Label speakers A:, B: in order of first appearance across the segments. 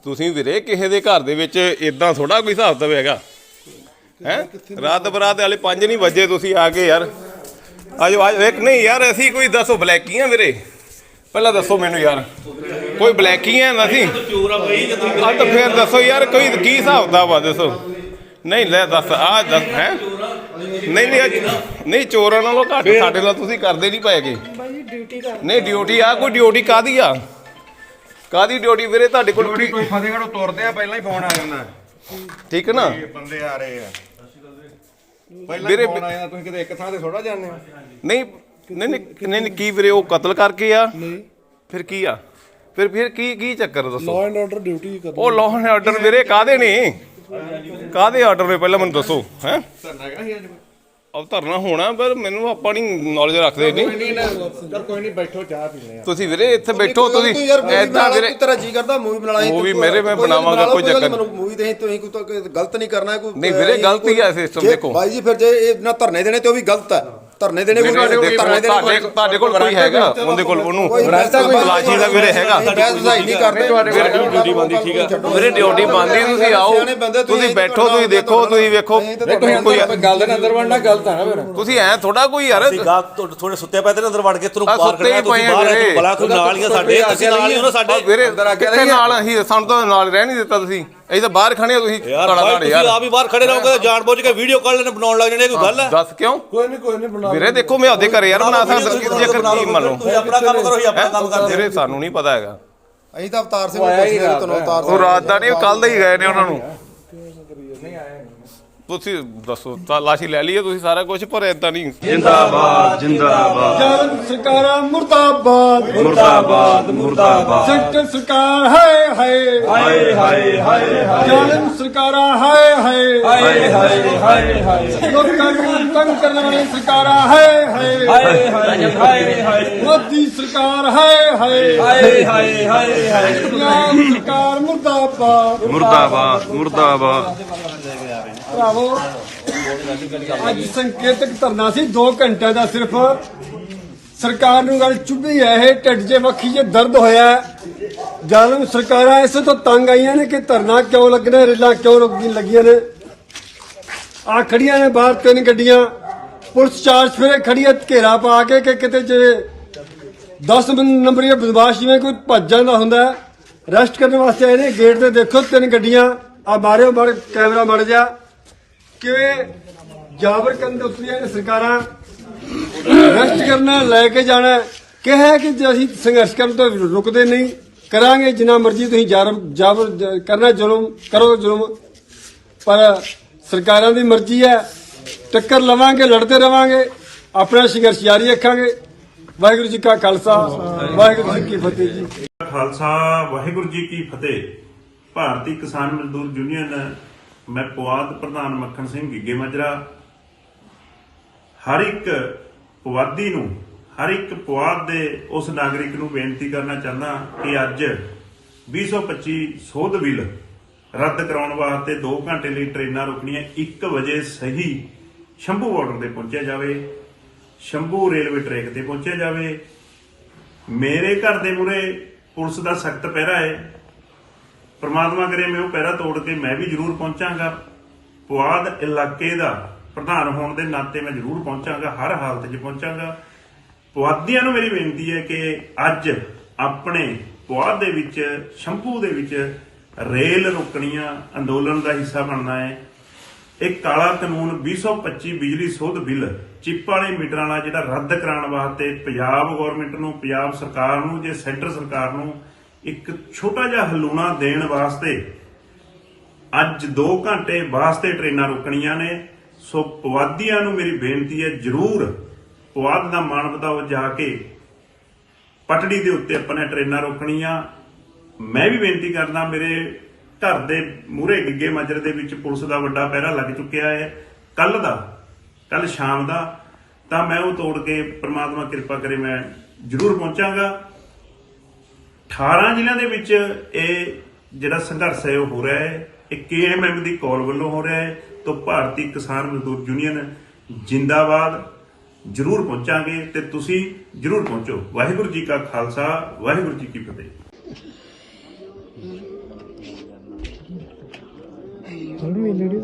A: ਤੁਸੀਂ ਵੀਰੇ ਕਿਸੇ ਦੇ ਘਰ ਦੇ ਵਿੱਚ ਇਦਾਂ ਥੋੜਾ ਕੋਈ ਹਿਸਾਬ ਤਾਂ ਹੈਗਾ ਹੈ। ਰਾਤ ਬਰਾਤ ਵਾਲੇ 5 ਨਹੀਂ ਵਜੇ ਤੁਸੀਂ ਆ ਕੇ ਯਾਰ ਆਜੋ ਆਜੋ। ਇੱਕ ਨਹੀਂ ਯਾਰ ਅਸੀਂ ਕੋਈ ਦੱਸੋ ਬਲੈਕੀ ਆ ਵੀਰੇ, ਪਹਿਲਾਂ ਦੱਸੋ ਮੈਨੂੰ ਯਾਰ ਕੋਈ ਬਲੈਕੀ ਆ ਅਸੀਂ ਆ ਤਾਂ ਫਿਰ ਦੱਸੋ ਯਾਰ ਕੋਈ ਕੀ ਹਿਸਾਬ ਦਾ ਵਾ ਦੱਸੋ। ਨਹੀਂ ਲੈ ਦੱਸ ਆ ਦੱਸ ਹੈ। ਨਹੀਂ ਨਹੀਂ ਨਹੀਂ ਚੋਰਾਂ ਨਾਲੋਂ ਘੱਟ ਸਾਡੇ ਨਾਲ ਤੁਸੀਂ ਕਰਦੇ ਨਹੀਂ ਪਏਗੇ। ਨਹੀਂ ਡਿਊਟੀ ਆ ਕੋਈ ਡਿਊਟੀ ਕਾਹਦੀ ਆ, ਕਾਹਦੀ ਡਿਊਟੀ ਵੀਰੇ ਤੁਹਾਡੇ ਕੋਲ?
B: ਕੋਈ ਫਤਿਹਗੜ੍ਹ ਤੁਰਦੇ ਆ ਪਹਿਲਾਂ ਹੀ ਫੋਨ ਆ ਜਾਂਦਾ,
A: ਠੀਕ ਹੈ ਨਾ,
B: ਬੰਦੇ ਆ ਰਹੇ ਆ ਪਹਿਲਾਂ ਹੀ ਫੋਨ ਆ ਜਾਂਦਾ। ਤੁਸੀਂ ਕਿਤੇ ਇੱਕ ਥਾਂ ਤੇ ਥੋੜਾ ਜਾਂਦੇ ਹੋ।
A: ਨਹੀਂ ਨਹੀਂ ਨਹੀਂ ਕੀ ਵੀਰੇ ਉਹ ਕਤਲ ਕਰਕੇ ਆ? ਨਹੀਂ ਫਿਰ ਕੀ ਆ? ਫਿਰ ਕੀ ਚੱਕਰ ਦੱਸੋ?
C: ਲਾਅ ਐਂਡ ਆਰਡਰ ਡਿਊਟੀ ਕਰ।
A: ਉਹ ਲਾਅ ਐਂਡ ਆਰਡਰ ਵੀਰੇ ਕਾਹਦੇ ਨੇ, ਕਾਹਦੇ ਆਰਡਰ ਨੇ ਪਹਿਲਾਂ ਮੈਨੂੰ ਦੱਸੋ ਹੈ। ਉਹ ਧਰਨਾ ਹੋਣਾ ਪਰ ਮੈਨੂੰ ਆਪਾਂ ਨਹੀਂ ਨੌਲੇਜ ਰੱਖਦੇ ਨਹੀਂ।
B: ਕੋਈ ਨਹੀਂ ਬੈਠੋ ਚਾਹ ਪੀਣੇ ਆ
A: ਤੁਸੀਂ ਵੀਰੇ ਇੱਥੇ ਬੈਠੋ ਤੁਸੀਂ ਐਦਾਂ ਵੀਰੇ
C: ਤੇਰਾ ਜੀ ਕਰਦਾ ਮੂਵੀ ਬਣਾ ਲਈ
A: ਮੂਵੀ ਮੇਰੇ ਮੈਂ ਬਣਾਵਾਂਗਾ ਕੋਈ ਚੱਕਰ
C: ਮੈਨੂੰ ਮੂਵੀ ਦੇ ਤੁਸੀਂ ਕੋਈ ਗਲਤ ਨਹੀਂ ਕਰਨਾ ਕੋਈ
A: ਨਹੀਂ ਵੀਰੇ ਗਲਤੀ ਹੈ ਸਿਸਟਮ ਦੇਖੋ
C: ਬਾਈ ਜੀ। ਫਿਰ ਜੇ ਇਹ ਨਾ ਧਰਨੇ ਦੇਣੇ ਤੇ ਉਹ ਵੀ ਗਲਤ ਹੈ। ਧਰਨੇ ਦੇਣੇ ਕੋਈ
A: ਤੁਹਾਡੇ ਕੋਲ ਕੋਈ ਹੈਗਾ ਉਹਦੇ ਕੋਲ ਉਹਨੂੰ ਤਲਾਸ਼ੀ ਦਾ ਵੀਰੇ ਹੈਗਾ
C: ਨਹੀਂ ਕਰਦੇ
A: ਡਿਊਟੀ ਬੰਦੀ ਠੀਕ ਆ ਵੀਰੇ ਡਿਊਟੀ ਬੰਦੀ ਤੁਸੀਂ ਆਓ ਤੁਸੀਂ ਬੈਠੋ ਤੁਸੀਂ ਦੇਖੋ ਤੁਸੀਂ ਵੇਖੋ
B: ਕੋਈ ਗੱਲ ਦੇ ਅੰਦਰ ਵੜਨਾ ਗਲਤ ਆ ਨਾ ਫਿਰ
A: ਤੁਸੀਂ ਐ ਥੋੜਾ ਕੋਈ ਯਾਰ
D: ਥੋੜੇ ਸੁੱਤੇ ਪਏ ਤੇ ਅੰਦਰ ਵੜ ਕੇ ਤੁਹਾਨੂੰ ਬਾਹਰ
A: ਸੁੱਤੇ ਹੀ ਪਏ ਵੀਰੇ
D: ਬਲਾ ਕੋਈ ਨਾਲ ਹੀ ਸਾਡੇ ਅਸੀਂ ਨਾਲ ਹੀ ਉਹਨਾਂ ਸਾਡੇ
A: ਵੀਰੇ ਕਿੱਥੇ ਨਾਲ ਅਸੀਂ ਸਾਨੂੰ ਤਾਂ ਨਾਲ ਰਹਿ ਨਹੀਂ ਦਿੱਤਾ ਤੁਸੀਂ ਅਸੀਂ ਤਾਂ ਬਾਹਰ ਖੜੇ ਆ ਤੁਸੀਂ
D: ਤੁਸੀਂ ਆਪ ਹੀ ਬਾਹਰ ਖੜੇ ਰਹੋਗੇ ਜਾਣ ਬੁੱਝ ਕੇ ਵੀਡੀਓ ਕਾਲ ਨੇ ਬਣਾਉਣ ਲੱਗ ਜਾਣੇ ਕੋਈ ਗੱਲ ਹੈ
A: ਦੱਸ ਕਿਉਂ
C: ਕੋਈ ਨਹੀਂ ਬਣਾ
A: ਵੀਰੇ ਦੇਖੋ ਮੈਂ ਉਹਦੇ ਘਰੇ ਯਾਰ ਬਣਾ ਸਕਦਾ ਜੇਕਰ ਕੀ ਮੰਨ ਲਓ
D: ਤੁਸੀਂ ਆਪਣਾ ਕੰਮ ਕਰੋ ਹੀ ਆਪਣਾ ਕੰਮ ਕਰਦੇ
A: ਵੀਰੇ ਸਾਨੂੰ ਨਹੀਂ ਪਤਾ ਹੈਗਾ
C: ਅਸੀਂ ਤਾਂ ਅਵਤਾਰ ਸਿੰਘ ਨੂੰ ਪੁੱਛਦੇ ਤੁਹਾਨੂੰ ਅਵਤਾਰ
A: ਉਹ ਰਾਤ ਦਾ ਨਹੀਂ ਕੱਲ ਦਾ ਹੀ ਗਏ ਨੇ ਉਹਨਾਂ ਨੂੰ ਤੁਸੀਂ ਦੱਸੋ ਤਲਾਸ਼ੀ ਲੈ ਲਈਏ ਤੁਸੀਂ ਸਾਰਾ ਕੁਝ ਪਰ ਏਦਾਂ ਨਹੀਂ
E: ਜਿੰਦਾਬਾਦ ਜਿੰਦਾਬਾਦ
C: ਜਾਨ ਸਰਕਾਰਾਂ ਮੁਰਦਾਬਾਦ
E: ਮੁਰਦਾਬਾਦ ਮੁਰਦਾਬਾਦ
C: ਸੈਂਟਰ ਸਰਕਾਰ ਹਾਏ ਹਾਏ
E: ਹਾਏ ਹਾਏ ਹਾਏ
C: ਜਾਨ ਸਰਕਾਰਾਂ ਹਾਏ ਹਾਏ
E: ਹਾਏ ਹਾਏ ਹਾਏ ਹਾਏ
C: ਲੋਕਾਂ ਨੂੰ ਤੰਗ ਕਰਨ ਵਾਲੀ ਸਰਕਾਰਾਂ ਹਾਏ ਹਾਏ
E: ਹਾਏ ਹਾਏ ਹਾਏ ਹਾਏ
C: ਮੋਦੀ ਸਰਕਾਰ ਹਾਏ ਹਾਏ
E: ਹਾਏ ਹਾਏ ਹਾਏ ਹਾਏ
C: ਪੰਜਾਬ ਸਰਕਾਰ ਮੁਰਦਾਬਾਦ
E: ਮੁਰਦਾਬਾਦ ਮੁਰਦਾਬਾਦ
C: ਭਰਾਵੋ ਅੱਜ ਸੰਕੇਤਕ ਧਰਨਾ ਸੀ 2 ਘੰਟਿਆਂ ਦਾ ਸਿਰਫ। ਸਰਕਾਰ ਨੂੰ ਗੱਲ ਚੁੱਭੀ ਹੈ ਇਹ ਢਿੱਡ 'ਚ ਵੱਖੀ 'ਚ ਦਰਦ ਹੋਇਆ। ਜ਼ਾਲਮ ਸਰਕਾਰਾਂ ਇਸੇ ਤੋਂ ਤੰਗ ਆਈਆਂ ਨੇ ਕਿ ਧਰਨਾ ਕਿਉਂ ਲੱਗਣਾ, ਰੇਲਾਂ ਕਿਉਂ ਲੱਗੀਆਂ ਨੇ। ਆ ਖੜੀਆਂ ਨੇ ਬਾਹਰ 3 ਗੱਡੀਆਂ ਪੁਲਿਸ ਚਾਰਜ ਫਿਰੇ ਖੜੀਆਂ ਘੇਰਾ ਪਾ ਕੇ ਕਿ ਕਿਤੇ ਜੇ 10 ਨੰਬਰੀ ਬਦਮਾਸ਼ ਜਿਵੇਂ ਕੋਈ ਭੱਜ ਜਾਂਦਾ ਹੁੰਦਾ ਰੈਸਟ ਕਰਨ ਵਾਸਤੇ ਆਏ ਨੇ। ਗੇਟ ਤੇ ਦੇਖੋ 3 ਗੱਡੀਆਂ ਆ ਮਾਰਿਓ ਮਾਰ ਕੈਮਰਾ ਮੜ ਜਾ ਕਿਵੇਂ ਜਾਬਰ ਕਰਨ ਦੇ ਉੱਤਰੀਆਂ ਨੇ ਸਰਕਾਰਾਂ। ਰੈਸਟ ਕਰਨਾ ਲੈ ਕੇ ਜਾਣਾ ਕਿਹਾ ਕਿ ਜੇ ਅਸੀਂ ਸੰਘਰਸ਼ ਕਰਨ ਤੋਂ ਰੁਕਦੇ ਨਹੀਂ ਕਰਾਂਗੇ ਜਿੰਨਾ ਮਰਜ਼ੀ ਤੁਸੀਂ ਜਾਬਰ ਕਰਨਾ ਜ਼ੁਲਮ ਕਰੋ ਜ਼ੁਲਮ, ਪਰ ਸਰਕਾਰਾਂ ਦੀ ਮਰਜ਼ੀ ਹੈ। ਟੱਕਰ ਲਵਾਂਗੇ ਲੜਦੇ ਰਵਾਂਗੇ ਆਪਣਾ ਸੰਘਰਸ਼ ਜਾਰੀ ਰੱਖਾਂਗੇ। ਵਾਹਿਗੁਰੂ ਜੀ ਕਾ ਖਾਲਸਾ ਵਾਹਿਗੁਰੂ ਜੀ ਕੀ ਫਤਿਹ ਜੀ।
F: ਖਾਲਸਾ ਵਾਹਿਗੁਰੂ ਜੀ ਕੀ ਫਤਿਹ। ਭਾਰਤੀ ਕਿਸਾਨ ਮਜ਼ਦੂਰ ਯੂਨੀਅਨ ਮੈਂ ਪੁਆਧ ਪ੍ਰਧਾਨ ਮੱਖਣ ਸਿੰਘ ਗਿੱਗੇ ਮਾਜਰਾ ਹਰ ਇੱਕ ਪੁਆਧੀ ਨੂੰ ਹਰ ਇੱਕ ਪੁਆਧ ਦੇ ਉਸ ਨਾਗਰਿਕ ਨੂੰ ਬੇਨਤੀ ਕਰਨਾ ਚਾਹੁੰਦਾ ਕਿ ਅੱਜ 2025 ਸੋਧ ਬਿੱਲ ਰੱਦ ਕਰਾਉਣ ਵਾਸਤੇ 2 ਘੰਟੇ ਲਈ ਟ੍ਰੇਨਾਂ ਰੁਕਣੀਆਂ 1 ਵਜੇ ਸਹੀ ਸ਼ੰਭੂ ਬਾਰਡਰ ਤੇ ਪਹੁੰਚਿਆ ਜਾਵੇ, ਸ਼ੰਭੂ ਰੇਲਵੇ ਟਰੈਕ ਤੇ ਪਹੁੰਚਿਆ ਜਾਵੇ। ਮੇਰੇ ਘਰ ਦੇ ਮੂਹਰੇ ਪੁਲਿਸ ਦਾ ਸਖਤ ਪਹਿਰਾ ਹੈ। ਪ੍ਰਮਾਤਮਾ ਕਰੇ ਮੈਂ ਉਹ ਪਹਿਰਾ ਤੋੜ ਕੇ ਮੈਂ ਵੀ ਜ਼ਰੂਰ ਪਹੁੰਚਾਂਗਾ। ਪੁਆਧ ਇਲਾਕੇ ਦਾ ਪ੍ਰਧਾਨ ਹੋਣ ਦੇ ਨਾਤੇ ਮੈਂ ਜ਼ਰੂਰ ਪਹੁੰਚਾਂਗਾ, ਹਰ ਹਾਲਤ 'ਚ ਪਹੁੰਚਾਂਗਾ। ਪੁਆਧੀਆਂ ਨੂੰ ਮੇਰੀ ਬੇਨਤੀ ਹੈ ਕਿ ਅੱਜ ਆਪਣੇ ਪੁਆਧ ਦੇ ਵਿੱਚ ਸ਼ੰਭੂ ਦੇ ਵਿੱਚ ਰੇਲ ਰੋਕਣੀਆਂ ਅੰਦੋਲਨ ਦਾ ਹਿੱਸਾ ਬਣਨਾ ਹੈ। ਇਹ ਕਾਲਾ ਕਾਨੂੰਨ 2025 ਬਿਜਲੀ ਸੋਧ ਬਿੱਲ ਚਿੱਪ ਵਾਲੇ ਮੀਟਰਾਂ ਵਾਲਾ ਜਿਹੜਾ ਰੱਦ ਕਰਾਉਣ ਵਾਸਤੇ ਪੰਜਾਬ ਗੌਰਮੈਂਟ ਨੂੰ, ਪੰਜਾਬ ਸਰਕਾਰ ਨੂੰ, ਜੇ ਸੈਂਟਰ ਸਰਕਾਰ ਨੂੰ ਇੱਕ ਛੋਟਾ ਜਿਹਾ ਹਲੂਣਾ ਦੇਣ ਵਾਸਤੇ ਅੱਜ 2 ਘੰਟੇ ਵਾਸਤੇ ਟ੍ਰੇਨਾਂ ਰੁਕਣੀਆਂ ਨੇ। ਸੋ ਪੁਆਧੀਆਂ ਨੂੰ ਮੇਰੀ ਬੇਨਤੀ ਹੈ ਜ਼ਰੂਰ ਪੁਆਧ ਦਾ ਮਾਣ ਵਧਾਓ ਜਾ ਕੇ ਪਟੜੀ ਦੇ ਉੱਤੇ ਆਪਣੇ ਟ੍ਰੇਨਾਂ ਰੋਕਣੀਆਂ। ਮੈਂ ਵੀ ਬੇਨਤੀ ਕਰਦਾ ਮੇਰੇ ਘਰ ਦੇ ਮੂਹਰੇ ਗਿੱਗੇ ਮਾਜਰੇ ਦੇ ਵਿੱਚ ਪੁਲਿਸ ਦਾ ਵੱਡਾ ਪਹਿਰਾ ਲੱਗ ਚੁੱਕਿਆ ਹੈ ਕੱਲ ਸ਼ਾਮ ਦਾ, ਤਾਂ ਮੈਂ ਉਹ ਤੋੜ ਕੇ ਪ੍ਰਮਾਤਮਾ ਕਿਰਪਾ ਕਰੇ ਮੈਂ ਜ਼ਰੂਰ ਪਹੁੰਚਾਂਗਾ। 18 ਜ਼ਿਲ੍ਹਿਆਂ ਦੇ ਵਿੱਚ ਇਹ ਜਿਹੜਾ ਸੰਘਰਸ਼ ਹੈ ਉਹ ਹੋ ਰਿਹਾ ਹੈ। ਇਹ KMM ਦੀ ਕਾਲ ਵੱਲੋਂ ਹੋ ਰਿਹਾ ਹੈ। ਤਾਂ ਭਾਰਤੀ ਕਿਸਾਨ ਮਜ਼ਦੂਰ ਯੂਨੀਅਨ ਜਿੰਦਾਬਾਦ। ਜ਼ਰੂਰ ਪਹੁੰਚਾਂਗੇ ਤੇ ਤੁਸੀਂ ਜ਼ਰੂਰ ਪਹੁੰਚੋ। ਵਾਹਿਗੁਰੂ ਜੀ ਕਾ ਖਾਲਸਾ ਵਾਹਿਗੁਰੂ ਜੀ ਕੀ ਫਤਿਹ।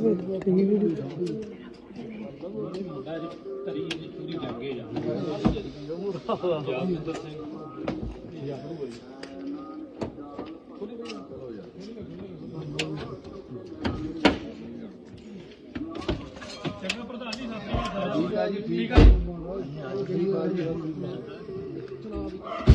C: ਠੀਕ ਆ ਜੀ